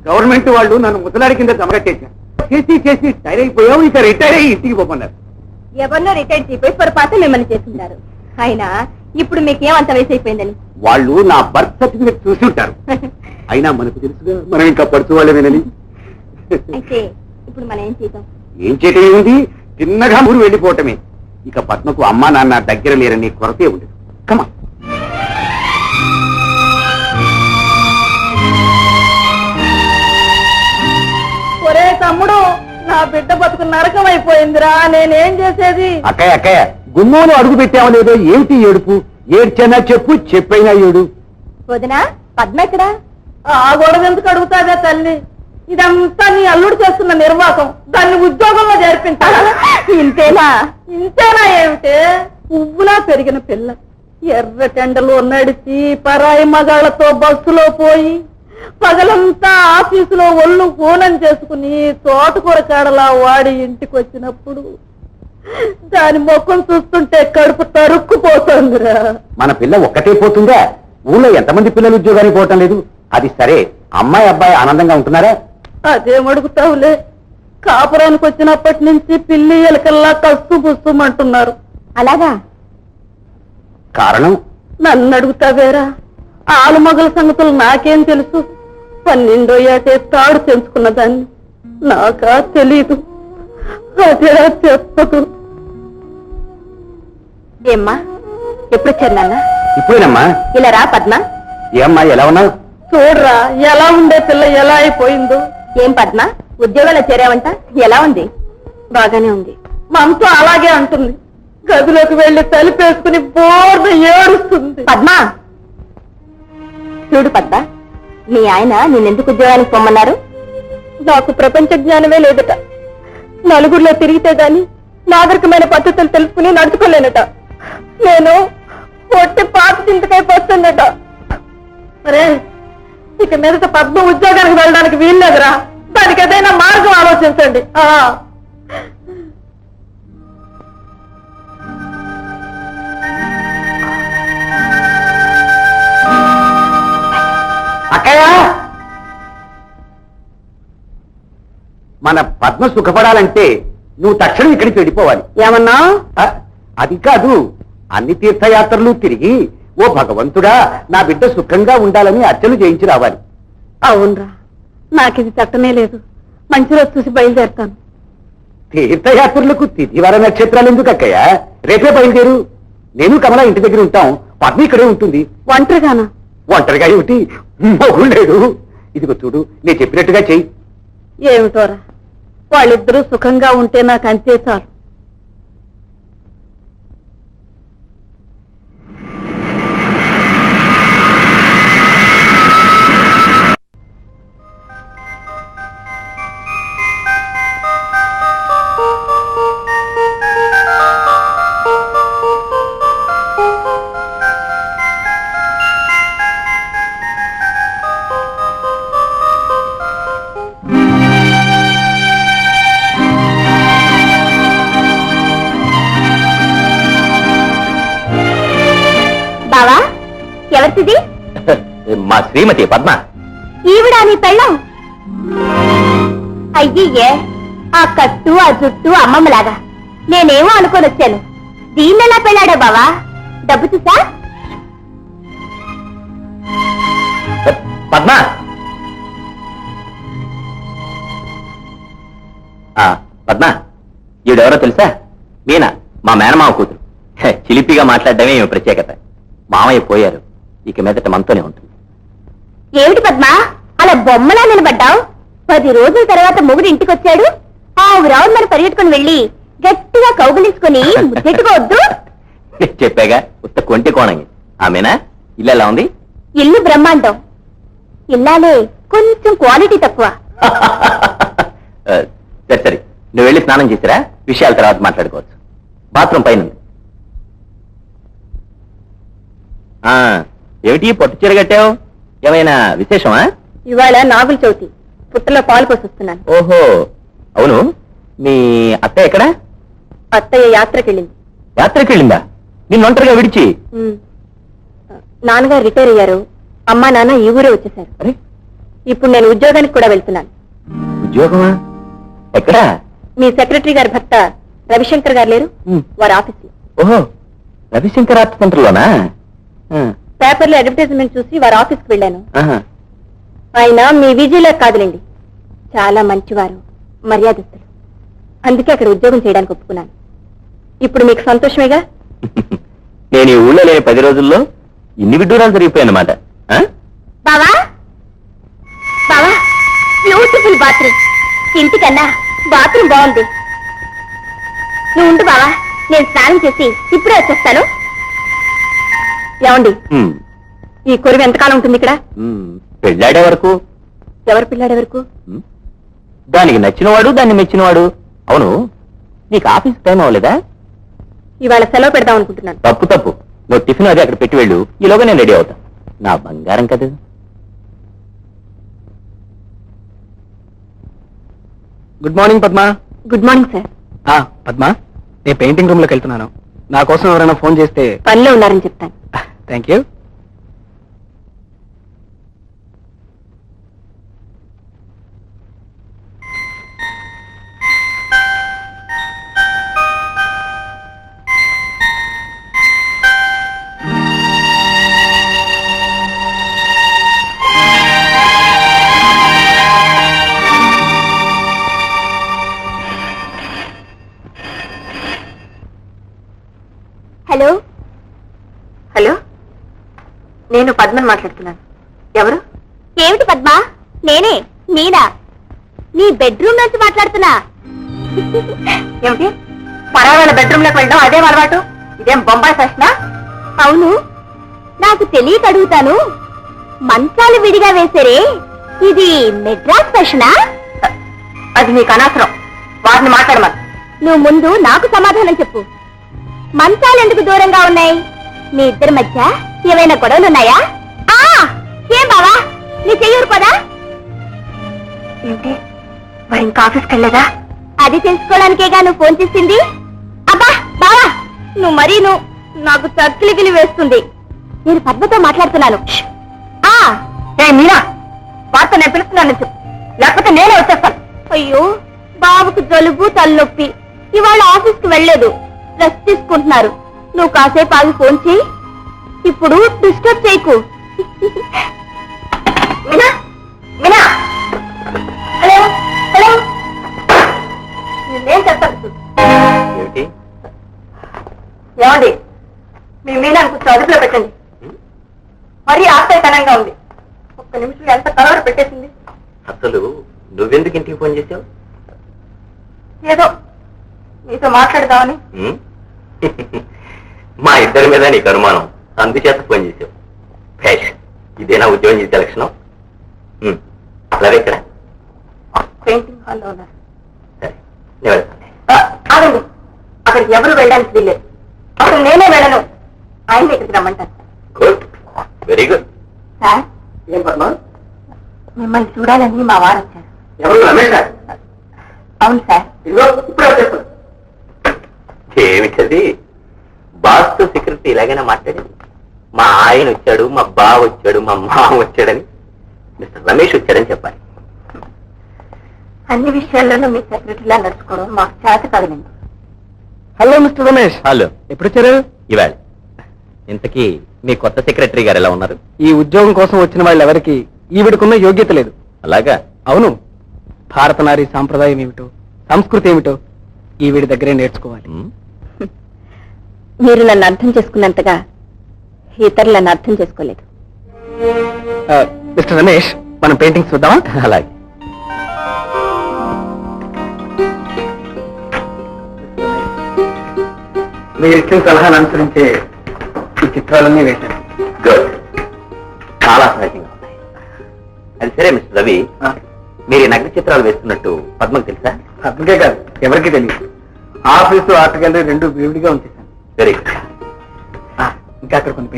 Government వాళ్ళు నన్ను ముసలాడి కింద జమగట్టేశారు. చేసి చేసి టైర్ అయిపోయావు, ఇక రిటైర్ అయ్యి ఇంటికి పోమన్నారు. ఎవరినో రిటైర్ అయిపోయి పొరపాటు మిమ్మల్ని చేస్తున్నారు. అయినా ఇప్పుడు మీకేమంత వయసు అయిపోయిందని వాళ్ళు నా బర్త్ సర్టిఫికెట్ చూసి ఉంటారు. అయినా మనకు తెలుసుగా మనం ఇంకా పడుతూ వాళ్ళమేనని. అయితే ఇప్పుడు మనం ఏం చేద్దాం? ఏం చేయటం ఏముంది, చిన్నగా ఊరు వెళ్ళిపోవటమే. ఇక పద్మకు అమ్మా నాన్న దగ్గర లేరని కొరతే ఉండదు. కమా ఒరే తమ్ముడు, నా బిడ్డ బతుకు నరకం అయిపోయిందిరా, నేనేం చేసేది? అక్కయ్య అక్కయ్య, గుమ్మంలో అడుగు పెట్టావో లేదో ఏమిటి ఏడుపు? ఏడ్చైనా చెప్పు, చెప్పైనా ఏడు. వదినా, పద్మ ఎక్కడా? ఆ గొడవ ఎందుకు అడుగుతాగా తల్లి? ఇదంతా నీ అల్లుడు చేస్తున్న నిర్వాహకం. దాన్ని ఉద్యోగంలో చేర్పించాలా? ఇంతేనా? ఇంతేనా ఏమిటే? పువ్వులా పెరిగిన పిల్ల ఎర్ర టెండలో నడిచి పరాయి మగాళ్లతో బస్సులో పోయి పగలంతా ఆఫీసులో ఒళ్ళు హూనం చేసుకుని తోటకూర కాడలా వాడి ఇంటికి వచ్చినప్పుడు దాని ముఖం చూస్తుంటే కడుపు తరుక్కుపోతుందిరా. మన పిల్ల ఒక్కటే పోతుందా? ఊళ్ళో ఎంతమంది పిల్లలు ఉద్యోగానికి పోవటం లేదు? అది సరే, అమ్మాయి అబ్బాయి ఆనందంగా ఉంటున్నారా? అదేమడుగుతావులే, కాపురానికి వచ్చినప్పటి నుంచి పిల్లి ఎలకల్లా కస్తు పుస్తుమంటున్నారు. అలాగా? కారణం? నన్ను అడుగుతావేరా? ఆలుమగల సంగతులు నాకేం తెలుసు? 12వ ఏటే తాడు తెంచుకున్న దాన్ని నాకా తెలీదు. అదే చెప్పదు. ఏమ్మా, ఎప్పుడొచ్చారు నాన్న? ఇప్పుడేనమ్మా. ఇలా రా పద్మ. ఏమ్మా, ఎలా ఉన్నావు? చూడరా ఎలా ఉండే పిల్ల ఎలా అయిపోయిందో. ఏం పద్మ, ఉద్యోగాల్లో చేరావంట? ఎలా ఉంది? బాగానే ఉంది. మనతో అలాగే అంటుంది. గదిలోకి వెళ్లి తలుపేసుకుని బోర్న ఏడుస్తుంది. పద్మ, చూడు పద్మ, మీ ఆయన నిన్నెందుకు ఉద్యోగానికి పొమ్మన్నారు? నాకు ప్రపంచ జ్ఞానమే లేదట. నలుగురిలో తిరిగితే గాని నాగరికమైన పద్ధతులు తెలుసుకుని నడుచుకోలేనట. నేను పొట్టి పాత చింతకాయ పోస్తుందట. మరే, ఇక మీదట పద్మ ఉద్యోగానికి వెళ్ళడానికి వీల్లేదురా. దానికి ఏదైనా మార్గం ఆలోచించండి. అక్కయ్య, మన పద్మ సుఖపడాలంటే నువ్వు తక్షణం ఇక్కడికి వెళ్ళిపోవాలి. ఏమన్నా? అది కాదు, అన్ని తీర్థయాత్రలు తిరిగి ఓ భగవంతుడా నా బిడ్డ సుఖంగా ఉండాలని అర్చన చేయించి రావాలి. అవునరా, నాకిది చట్టమే లేదు. మంచి రోజు చూసి బయలుదేరుతాను. తీర్థయాత్రలకు తిథివార నక్షత్రాలు ఎందుకు అక్కయ్య? రేపే బయలుదేరు. నేను కమలా ఇంటి దగ్గర ఉంటాం, పద్మ ఇక్కడే ఉంటుంది. ఒంటరిగానా? ఒంటరిగా ఏమిటి, మొగుడు లేడు. ఇదిగో చూడు, నేను చెప్పినట్టుగా చెయ్యి. ఏమిటోరా, వాళ్ళిద్దరూ సుఖంగా ఉంటే నాకు అంతే చాలు. బావా, ఎవరిది? మా శ్రీమతి పద్మ. ఈవిడా నీ పెళ్ళం? అయ్యే, ఆ కట్టు ఆ జుట్టు అమ్మమ్మలాగా. నేనేమో అనుకొని వచ్చాను. దీన్నెలా పెళ్ళాడా బావా? డబ్బు చూసా? పద్మ, పద్మ, ఈవిడెవరో తెలుసా? మీనా, మా మేనమావ కూతురు. చిలిపిగా మాట్లాడడమే ఈమె ప్రత్యేకత. మామయ్య పోయారు, ఇక మీదట మనతోనే ఉంటుంది. ఏమిటి పద్మ, అలా బొమ్మలా నిలబడ్డావు? 10 రోజుల తర్వాత మొగుడు ఇంటికి వచ్చాడు. ఆ రౌండ్ మరి పరిగెట్టుకుని వెళ్ళి గట్టిగా కౌగులించుకుని ముద్దెట్టుకోవద్దు. చెప్పాగా, ఉత్త కొంటి కోణంగి. ఆమెనా? ఇల్లు ఎలా ఉంది? ఇల్లు బ్రహ్మాండం. ఇల్లాలే కొంచెం క్వాలిటీ తక్కువ. సరే సరే, నువ్వు వెళ్ళి స్నానం చేసిరా, విషయాల తర్వాత మాట్లాడుకోవచ్చు. బాత్రూమ్ పైన ఉంది. ఏమిటి పొట్టు చీర కట్టావు? ఏమైనా విశేషమా? ఇవాళ నాగుల చవితి, పుట్టలో పాలు పోసొస్తున్నాను. ఓహో, అవును. మీ అత్తయ్య ఎక్కడా? అత్తయ్య యాత్రకెళ్ళింది. యాత్రకెళ్ళిందా? నిన్ను ఒంటరిగా విడిచి? నాన్నగారు రిటైర్ అయ్యారు. అమ్మా నాన్న ఈ ఊరే వచ్చేశారు. అరే, ఇప్పుడు నేను ఉద్యోగానికి కూడా వెళ్తున్నాను. ఉద్యోగమా? ఎక్కడా? మీ సెక్రటరీ గారి భర్త రవిశంకర్ గారు లేరు, వారి ఆఫీస్ లో. ఓహో, రవిశంకర్ ఆర్ట్ సెంటర్లోనా? పేపర్లో అడ్వర్టైజ్మెంట్ చూసి వారి ఆఫీస్కి వెళ్ళాను. ఆహా. ఆయన మీ విజయలో కాదులేండి, చాలా మంచివారు, మర్యాదస్తులు. అందుకే అక్కడ ఉద్యోగం చేయడానికి ఒప్పుకున్నాను. ఇప్పుడు మీకు సంతోషమేగా? నేను ఈ ఊళ్ళో లేని 10 రోజుల్లో ఇన్ని విడ్డూరాలు జరిగిపోయాయన్నమాట. బావా బావా, బ్యూటిఫుల్ బాత్రూమ్. ఇంటికన్నా బాత్రూమ్ బాగుంది. నువ్వు ఉండు బావా, నేను స్నానం చేసి ఇప్పుడే వచ్చేస్తాను. ఏమండి, ఈ కొరువు ఎంతకాలం ఉంటుంది ఇక్కడ? పెళ్ళాడే వరకు. ఎవరు పిల్లాడే వరకు? దానికి నచ్చినవాడు, దాన్ని మెచ్చినవాడు. అవును, నీకు ఆఫీస్ టైం అవ్వలేదా? ఇవాళ సెలవు పెడదాం అనుకుంటున్నాను. తప్పు తప్పు, నువ్వు టిఫిన్ అది అక్కడ పెట్టి వెళ్ళు, ఈలోగా నేను రెడీ అవుతా. నా బంగారం కదా. Good morning Padma. Good morning sir. Padma, నేను పెయింటింగ్ రూమ్ లోకి వెళ్తున్నాను. నా కోసం ఎవరైనా ఫోన్ చేస్తే పనిలో ఉన్నారని చెప్తాను. Thank you. హలో హలో, నేను పద్మని మాట్లాడుతున్నాను. ఎవరు? ఏమిటి పద్మా? నేనే మీనా. నీ బెడ్రూమ్ నుంచి మాట్లాడుతున్నా. ఏమిటి, పరావాళ్ళ బెడ్రూమ్ లోకి వెళ్ళడం అదే అలవాటు? ఇదేం బొంబాయి ఫ్యాషనా? అవును, నాకు తెలియక అడుగుతాను. మంచాలు విడిగా వేసారే, ఇది మెడ్రాస్ ఫ్యాషనా? అది నీకు అనవసరం, వారిని మాట్లాడమని. నువ్వు ముందు నాకు సమాధానం చెప్పు. మంచాలు ఎందుకు దూరంగా ఉన్నాయి? మీ ఇద్దరి మధ్య ఏమైనా గొడవలున్నాయా? ఏం బావా, నీ చెయ్యూరు కదా? ఏంటి, మరి ఇంకా ఆఫీస్కి వెళ్ళలేదా? అది తెలుసుకోవడానికేగా నువ్వు ఫోన్ చేసింది. అబ్బా బావా, నువ్వు మరీను నాకు చక్కిలిగిలి వేస్తుంది. నేను పద్మతో మాట్లాడుతున్నాను. మీనా, వార్త నేను పిలుస్తున్నాను చెప్పు, లేకపోతే నేనే వచ్చేస్తాను. అయ్యో, బాబుకు జలుబు తలనొప్పి, ఇవాళ ఆఫీస్కి వెళ్ళలేదు, రెస్ట్ తీసుకుంటున్నారు. నువ్వు కాసేపు ఆగి ఫోన్ చేయి. ఇప్పుడు డిస్టర్బ్ చేయకు. మీనా, మీనా, హలో హలో, నేనేం చెప్తాను. ఏమిటి? ఏమండి, మీ మీనా కొంచెం అదుపులో పెట్టండి. మరీ ఆశ్చర్యకరంగా ఉంది. ఒక్క నిమిషం ఎంత కలవర పెట్టేసింది. అసలు నువ్వెందుకు ఇంటికి ఫోన్ చేసావు? ఏదో మీతో మాట్లాడదామని. మా ఇద్దరి మీద నీకు అనుమానం, అందుచేత ఫోన్ చేసావు. భేష్, ఇదేనా ఉద్యోగం చేసే లక్షణం? అలాగే ఇక్కడ పెయింటింగ్ హాల్లో ఉన్నారు. సరే, నేను వెళ్తాను. ఆగండి, అక్కడికి ఎవరు వెళ్ళడానికి వీల్లేదు. అసలు నేనే వెళ్ళను, ఆయన ఇక్కడికి రమ్మంటారు. Good, very good. సార్, ఏం పద్మా? మిమ్మల్ని చూడాలని మా వారు వచ్చారు. ఎవరు? రమేష్? అవును సార్. ఇదిగో ఇప్పుడే వచ్చేస్తాను. ఏమిటది? బాస్తో సెక్రటరీ ఇలాగైనా మాట్లాడేది? మా ఆయన వచ్చాడు, మా బావ వచ్చాడు, మా మామ వచ్చాడని, మిస్టర్ రమేష్ వచ్చాడని చెప్పాలి. అన్ని విషయాల్లోనూ మీ సెక్రటరీలా నడుచుకోవడం మాకు చేత కాదులేండి. Hello mister Ramesh. హలో. ఎప్పుడు వచ్చారు? ఇవాళ. ఇంతకీ మీ కొత్త సెక్రటరీ గారు ఎలా ఉన్నారు? ఈ ఉద్యోగం కోసం వచ్చిన వాళ్ళు ఎవరికి ఈవిడకున్న యోగ్యత లేదు. అలాగా? అవును, భారత నారీ సాంప్రదాయం ఏమిటో, సంస్కృతి ఏమిటో ఈవిడి దగ్గరే నేర్చుకోవాలి. మీరు నన్ను అర్థం చేసుకున్నంతగా ఇతరులు నన్ను అర్థం చేసుకోలేదు. మిస్టర్ రమేష్, మనం పెయింటింగ్స్ చూద్దామా? అలాగే. మీరు ఇచ్చిన సలహాను అనుసరించే ఈ చిత్రాలన్నీ వేశాను. గుడ్, చాలా సహజంగా ఉన్నాయి. అది సరే మిస్టర్ రవి, మీరు ఈ నగ్న చిత్రాలు వేస్తున్నట్టు పద్మకు తెలుసా? అందుకే కాదు, ఎవరికి తెలియదు. ఆఫీసు ఆర్ట్ గ్యాలరీ రెండు విడిగా ఉంచేశాను. Very good. ఇంకా అక్కడ కొన్ని